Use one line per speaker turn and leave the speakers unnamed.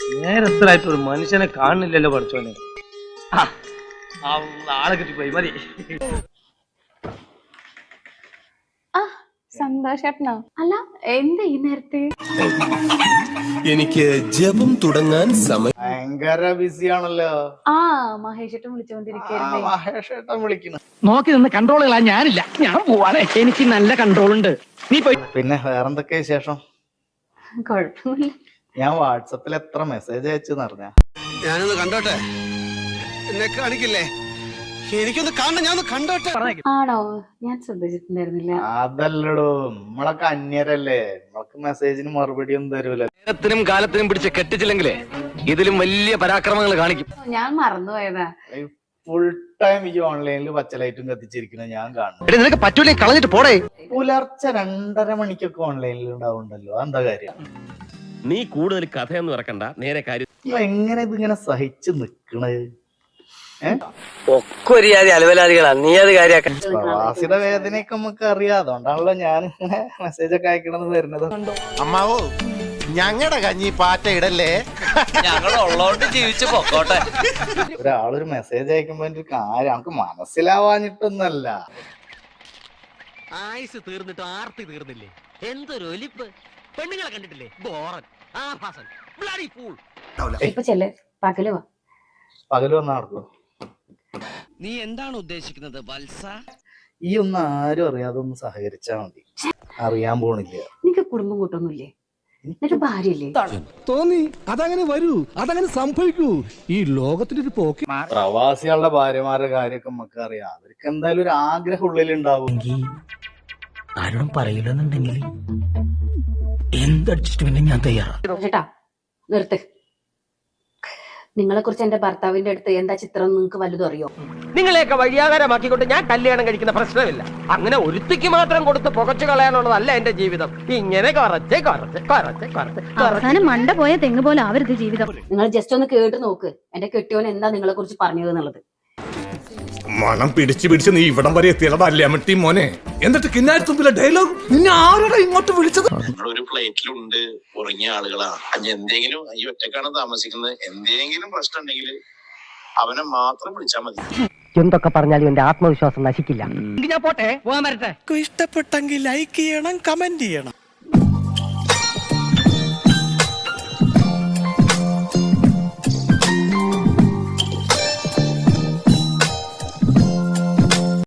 നേരത്തിലായിട്ട് ഒരു മനുഷ്യനെ കാണുന്നില്ലല്ലോ പഠിച്ചോനെ. ആളെ കിട്ടിപ്പോയി മതി.
സന്തോഷേട്ടനോ? അല്ല എന്താ ഈ നേരത്തെ?
എനിക്ക് ജപം തുടങ്ങാൻ സമയം.
ഭയങ്കര ബിസിയാണല്ലോ.
മഹേഷേട്ടൻ വിളിച്ചോണ്ടിരിക്കുന്നു.
മഹേഷേട്ടൻ വിളിക്കുന്നു.
നോക്കി നിന്ന് കൺട്രോൾ കളാൻ ഞാനില്ല, ഞാൻ പോവാണേ. എനിക്ക് നല്ല കൺട്രോൾ ഉണ്ട്. നീ പോയി.
പിന്നെ വേറെന്തൊക്കെ വിശേഷം?
കൊഴപ്പില്ല.
ഞാൻ വാട്സപ്പിൽ എത്ര മെസ്സേജ് അയച്ചെന്ന് അറിഞ്ഞ?
ഞാനൊന്ന് കണ്ടോട്ടെ. എന്നെ കാണിക്കില്ലേ? എനിക്കൊന്ന് കാണണം, ഞാനൊന്ന് കണ്ടോട്ടെ.
ആണോ? ഞാൻ ശ്രദ്ധിച്ചിട്ടുണ്ടായിരുന്നില്ല.
അതല്ലടോ, നമ്മളൊക്കെ അന്യരല്ലേ, നമ്മൾക്ക് മെസ്സേജിന് മറുപടി ഒന്നും തരൂല.
നേരത്തിനും കാലത്തിനും പിടിച്ച് കെട്ടിച്ചില്ലെങ്കിലേ ഇതിലും വലിയ പരാക്രമങ്ങൾ കാണിക്കും.
ഞാൻ മറന്നുപോയതാ.
ഫുൾ ടൈം ഈ ഓൺലൈനിൽ പച്ചലൈറ്റും കത്തിച്ചിരിക്കുന്നത് ഞാൻ കാണുന്നു.
നിനക്ക് പറ്റൂലേ, കളഞ്ഞിട്ട് പോടേ.
പുലർച്ചെ 2:30 മണിക്കൊക്കെ ഓൺലൈനിൽ ഉണ്ടാവുണ്ടല്ലോ, എന്താ കാര്യം?
നീ കൂടുതൽ കഥയൊന്നും ഇറക്കണ്ട, നേരെ കാര്യം.
എങ്ങനെ ഇതിങ്ങനെ സഹിച്ചു നിക്കണത്?
ഒക്കെ ഒരു ജാതി അലവലാദികളാ, നീ അത് കാര്യാക്കാൻ.
പ്രവാസിയുടെ വേദനയൊക്കെ നമുക്ക് അറിയാം, അതുകൊണ്ടാണല്ലോ ഞാൻ ഇങ്ങനെ മെസ്സേജ് ഒക്കെ അയക്കണമെന്ന് വരുന്നത്.
അമ്മാവോ, ഞങ്ങളുടെ കഞ്ഞി പാറ്റ ഇടല്ലേ,
ഞങ്ങൾ ഉള്ളോണ്ട് ജീവിച്ചു പൊക്കോട്ടെ.
ഒരാളൊരു മെസ്സേജ് അയക്കുമ്പോ ഒരു കാര്യം നമുക്ക് മനസ്സിലാവാഞ്ഞിട്ടൊന്നല്ല.
ആയുസ് തീർന്നിട്ട് ആർത്തി തീർന്നില്ലേ? എന്തൊരു ഒലിപ്പ്. പെണ്ണുങ്ങളെ കണ്ടിട്ടില്ലേ? ബോറൻ, ആഭാസൻ, ബ്ലഡി ഫൂൾ.
ഇപ്പൊ ചെല്ല്, പകല് വാ.
പകല് വന്ന് നടക്കും.
നീ എന്താണ് ഉദ്ദേശിക്കുന്നത് വത്സ?
ഈ ഒന്നും ആരും അറിയാതെ ഒന്ന് സഹകരിച്ചാ മതി. അറിയാൻ പോണില്ല.
നിനക്ക് കുടുംബം കൂട്ടൊന്നുമില്ലേ? നിനക്ക് ഭാര്യയില്ലേ?
തോന്നി അതങ്ങനെ വരൂ, അതങ്ങനെ സംഭവിക്കൂ. ഈ ലോകത്തിനൊരു പോക്ക്.
പ്രവാസികളുടെ ഭാര്യമാരുടെ കാര്യമൊക്കെ നമുക്ക് അറിയാം. അവർക്ക് എന്തായാലും ഒരു ആഗ്രഹം ഉള്ളിലുണ്ടാവും.
ആരോടും പറയില്ലെന്നുണ്ടെങ്കിൽ എന്ത് അഡ്ജസ്റ്റ്മെന്റും ഞാൻ തയ്യാറാണ്.
ചേട്ടാ നിർത്ത്. നിങ്ങളെ കുറിച്ച് എന്റെ ഭർത്താവിന്റെ അടുത്ത് എന്താ ചിത്രം നിങ്ങൾക്ക് വലുതും അറിയോ?
നിങ്ങളെയൊക്കെ വഴിയാകാരമാക്കിക്കൊണ്ട് ഞാൻ കല്യാണം കഴിക്കുന്ന പ്രശ്നമില്ല. അങ്ങനെ ഒരുത്തിക്ക് മാത്രം കൊടുത്ത് പുകച്ചു കളയാനുള്ളതല്ല എന്റെ ജീവിതം. ഇങ്ങനെ
അവസാനം മണ്ട പോയ തെങ്ങ് പോലെ ആവരുത് ജീവിതം.
നിങ്ങൾ ജസ്റ്റ് ഒന്ന് കേട്ട് നോക്ക്, എന്റെ കെട്ടിയോൻ എന്താ നിങ്ങളെ കുറിച്ച് പറഞ്ഞത് എന്നുള്ളത്.
മണം പിടിച്ച് നീ ഇവിടം വരെ എത്തിയതല്ലേ അമ്മട്ടി മോനെ? എന്നിട്ട് കിന്നാരത്തുമ്പിലെ ഡയലോഗ് നിന്നെ ആരോടാ ഇങ്ങോട്ട് വിളിച്ചത്?
ഒരു പ്ലേറ്റിലുണ്ട് ഉറങ്ങിയ ആളുകളാണ്. എന്തെങ്കിലും ഈ ഒറ്റക്കാണ് താമസിക്കുന്നത്, എന്തെങ്കിലും പ്രശ്നം ഉണ്ടെങ്കിൽ അവനെ മാത്രം വിളിച്ചാൽ മതി.
എന്തൊക്കെ പറഞ്ഞാലും എന്റെ ആത്മവിശ്വാസം നശിക്കില്ല. ഞാൻ പോട്ടെ, പോകാൻ വരട്ടെ.
ഇഷ്ടപ്പെട്ടെങ്കിൽ ലൈക്ക് ചെയ്യണം, കമന്റ് ചെയ്യണം.